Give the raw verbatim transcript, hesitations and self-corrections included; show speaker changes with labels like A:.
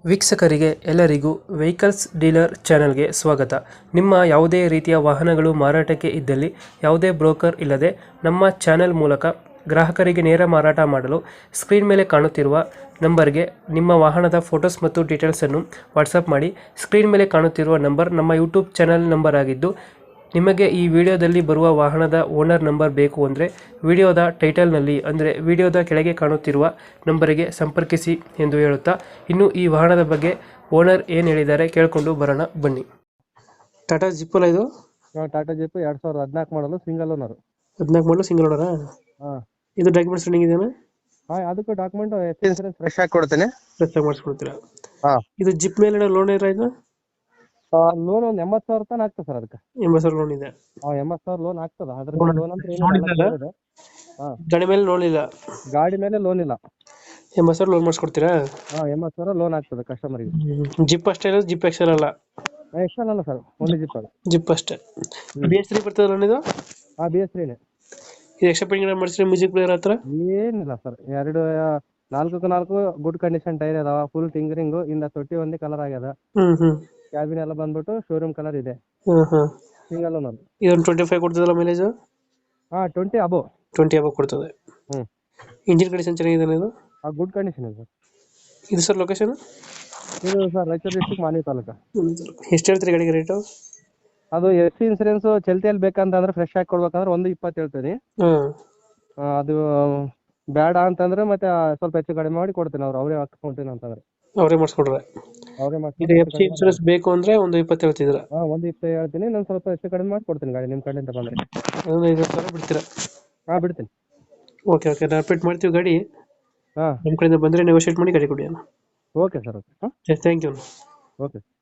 A: ವೀಕ್ಷಕರಿಗೆ ಎಲ್ಲರಿಗೂ vehicles dealer ಚಾನೆಲ್ಗೆ ಸ್ವಾಗತ. ನಿಮ್ಮ ಯಾವುದೇ ರೀತಿಯ ವಾಹನಗಳು ಮಾರಾಟಕ್ಕೆ ಇದ್ದಲ್ಲಿ ಯಾವುದೇ ಬ್ರೋಕರ್ ಇಲ್ಲದೆ ನಮ್ಮ ಚಾನೆಲ್ ಮೂಲಕ ಗ್ರಾಹಕರಿಗೆ ನೇರ ಮಾರಾಟ ಮಾಡಲು ಸ್ಕ್ರೀನ್ ಮೇಲೆ ಕಾಣುತ್ತಿರುವ ನಂಬರ್ಗೆ ನಿಮ್ಮ ವಾಹನದ ಫೋಟೋಸ್ ಮತ್ತು ಡೀಟೇಲ್ಸನ್ನು ವಾಟ್ಸಪ್ ಮಾಡಿ. ಸ್ಕ್ರೀನ್ ಮೇಲೆ ಕಾಣುತ್ತಿರುವ ನಂಬರ್ ನಮ್ಮ ಯೂಟ್ಯೂಬ್ ಚಾನೆಲ್ ನಂಬರ್ ಆಗಿದ್ದು, ನಿಮಗೆ ಈ ವಿಡಿಯೋದಲ್ಲಿ ಬರುವ ವಾಹನದ ಓನರ್ ನಂಬರ್ ಬೇಕು ಅಂದರೆ ವಿಡಿಯೋದ ಟೈಟಲ್ನಲ್ಲಿ ಅಂದರೆ ವಿಡಿಯೋದ ಕೆಳಗೆ ಕಾಣುತ್ತಿರುವ ನಂಬರಿಗೆ ಸಂಪರ್ಕಿಸಿ ಎಂದು ಹೇಳುತ್ತಾ, ಇನ್ನು ಈ ವಾಹನದ ಬಗ್ಗೆ ಓನರ್ ಏನು ಹೇಳಿದ್ದಾರೆ ಕೇಳಿಕೊಂಡು ಬರೋಣ ಬನ್ನಿ. ಟಾಟಾ ಜಿಪ್ ಅಲ್ಲ ಇದು?
B: ಟಾಟಾ ಜಿಪ್ ಎರಡ್ ಸಾವಿರದ ಹದಿನಾಲ್ಕು ಮಾಡಲು ಸಿಂಗಲ್ ಓನರ್.
A: ಹದಿನಾಲ್ಕು ಮಾಡಲು ಸಿಂಗಲ್ ಓನರಾ?
B: ಹಾಂ,
A: ಇದು ಡಾಕ್ಯುಮೆಂಟ್ಸ್ ರನ್ನಿಂಗ್ ಇದೆಯಾ?
B: ಹಾಂ, ಅದಕ್ಕೂ ಡಾಕ್ಯುಮೆಂಟ್ ಇನ್ಸೂರೆನ್ಸ್ ಫ್ರೆಶ್ ಆಗಿ ಕೊಡ್ತೇನೆ.
A: ಫ್ರೆಶ್ ಆಗಿ ಮಾಡಿಸ್ಕೊಡ್ತೀರಾ?
B: ಹಾಂ,
A: ಇದು ಜಿಪ್ ಮೇಲೆ ಲೋನ್ ಇರ ಇದು?
B: ಲೋನ್ ಒಂದು ಎಂಬತ್ತು ಸಾವಿರ ತನಕ ಆಗ್ತದೆ ಸರ್. ಅದಕ್ಕೆ
A: ಎಂಬತ್ತು ಸಾವಿರ ಲೋನ್ ಇದೆ?
B: ಹಾಂ, ಎಂಬತ್ತು ಸಾವಿರ ಲೋನ್ ಆಗ್ತದೆ. ಅದ್ರ
A: Loan-
B: ಲೋನ್ ಅಂತ
A: loan
B: ಏನಿಲ್ಲ,
A: ಇದೆಯಲ್ಲ?
B: ಇದೆ. ಹಾಂ,
A: ಗಾಡಿ ಮೇಲೆ ಲೋನ್ ಇಲ್ಲ?
B: ಗಾಡಿ ಮೇಲೆ ಲೋನ್ ಇಲ್ಲ.
A: ಎಂಬತ್ತು ಸಾವಿರ ಲೋನ್ ಮಾಡಿಸ್ಕೊಡ್ತೀರಾ?
B: ಹಾಂ, ಎಂಬತ್ತು ಸಾವಿರ ಲೋನ್ ಆಗ್ತದೆ ಕಸ್ಟಮರ್ಗೆ.
A: ಜಿಪ್ ಅಷ್ಟೇ ಇರೋದು? ಜಿಪ್ ಎಕ್ಸೆಲ್ ಅಲ್ಲ?
B: ಎಕ್ಸ್ಟ್ರಾ ಅಲ್ಲ ಸರ್, ಓನ್ಲಿ ಜಿಪ್ ಅದು.
A: ಜಿಪ್ ಅಷ್ಟೇ. ಬಿ ಎಸ್ ತ್ರೀ ಬರ್ತದೆ ಲೋನ್ ಇದು?
B: ಹಾಂ, ಬಿ ಎಸ್ ತ್ರೀನೇ.
A: ಇದು ಎಕ್ಸ್ಟ್ರಾ ಪೇಂಟಿಂಗ್ ಮಾಡಿಸಿದ್ರೆ ಮ್ಯೂಸಿಕ್ ಪ್ಲೇಯರ್ ಹತ್ರ?
B: ಏನಿಲ್ಲ ಸರ್, ಎರಡು ನಾಲ್ಕು ನಾಲ್ಕು ಗುಡ್ ಕಂಡೀಷನ್ ಟೈರ್ ಅದಾವ, ಫುಲ್ ಟಿಂಗರಿಂಗು, ಇಂದ ತೊಟ್ಟಿ ಒಂದೇ ಕಲರ್ ಆಗ್ಯದ.
A: ಹ್ಮ್ ಹ್ಮ್
B: ಕ್ಯಾಬಿನ್ ಎಲ್ಲ ಬಂದ್ಬಿಟ್ಟು ಶೋರೂಮ್ ಕಲರ್ ಇದೆ.
A: Hmm hmm
B: single owner.
A: ಇದೊಂದು ಟ್ವೆಂಟಿ ಫೈವ್ ಕೊಡ್ತದಲ್ಲ ಮೈಲೇಜ್?
B: ಹಾಂ, ಟ್ವೆಂಟಿ ಅಬೋ.
A: ಟ್ವೆಂಟಿ ಅಬೌವ್ ಕೊಡ್ತದೆ.
B: ಹ್ಞೂ,
A: ಇಂಜಿನ್ ಕಂಡೀಷನ್ ಚೆನ್ನಾಗಿದೆ ಇದು?
B: ಆ ಗುಡ್ ಕಂಡೀಷನ್ ಇದೆ ಸರ್.
A: ಇದು ಸರ್ ಲೊಕೇಶನ್?
B: ಇದು ಸರ್ ರಾಯಚೂರು ಡಿಸ್ಟಿಕ್ ಮಾನ್ವಿ ತಾಲೂಕು.
A: ಎಷ್ಟು ಹೇಳ್ತೀರಿ ಗಾಡಿಗೆ ರೇಟು?
B: ಅದು ಎಫ್ ಸಿ ಇನ್ಸೂರೆನ್ಸ್ ಚಲ್ತಿಯಲ್ಲಿ ಬೇಕಂತಂದ್ರೆ ಫ್ರೆಶ್ ಆಗಿ ಕೊಡ್ಬೇಕಂದ್ರೆ ಒಂದು ಇಪ್ಪತ್ತು ಹೇಳ್ತೀನಿ.
A: ಹ್ಮ್
B: ಆ, ಅದು ಬೇಡ ಅಂತಂದ್ರೆ ಮತ್ತೆ ಸ್ವಲ್ಪ ಹೆಚ್ಚು ಕಡಿಮೆ ಮಾಡಿ ಕೊಡ್ತೀನಿ. ಅವ್ರು ಅವರೇ ಹಾಕ್ಕೊಂತೀನಿ ಅಂತಂದ್ರೆ
A: ಅವರೇ ಮಾಡಿಸ್ಕೊಡ್ರೆ?
B: ಅವರೇ
A: ಇದು ಎಫ್ ಸಿ ಇನ್ಸೂರೆನ್ಸ್ ಬೇಕು ಅಂದ್ರೆ ಒಂದು ಇಪ್ಪತ್ತು ಹೇಳ್ತಿದ್ರ?
B: ಹಾಂ, ಒಂದು ಇಪ್ಪತ್ತು ಹೇಳ್ತೀನಿ. ನಾನು ಸ್ವಲ್ಪ ಹೆಚ್ಚು ಕಡಿಮೆ ಮಾಡಿ ಕೊಡ್ತೀನಿ ಗಾಡಿ ನಿಮ್ಮ ಕಡೆಯಿಂದ ಬಂದರೆ.
A: ಅದೊಂದು ಐದು ಸಾವಿರ ಬಿಡ್ತೀರಾ?
B: ಹಾಂ, ಬಿಡ್ತೀನಿ.
A: ಓಕೆ ಓಕೆ, ನಾವು ಅಪ್ಡೇಟ್ ಮಾಡ್ತೀವಿ ಗಾಡಿ.
B: ಹಾಂ,
A: ನಮ್ಮ ಕಡೆಯಿಂದ ಬಂದರೆ ನೆಗೋಷಿಯೇಟ್ ಮಾಡಿ ಗಾಡಿ ಕೊಡಿ.
B: Okay sir. ಓಕೆ. ಹಾಂ,
A: ಥ್ಯಾಂಕ್ ಯು.
B: ಓಕೆ.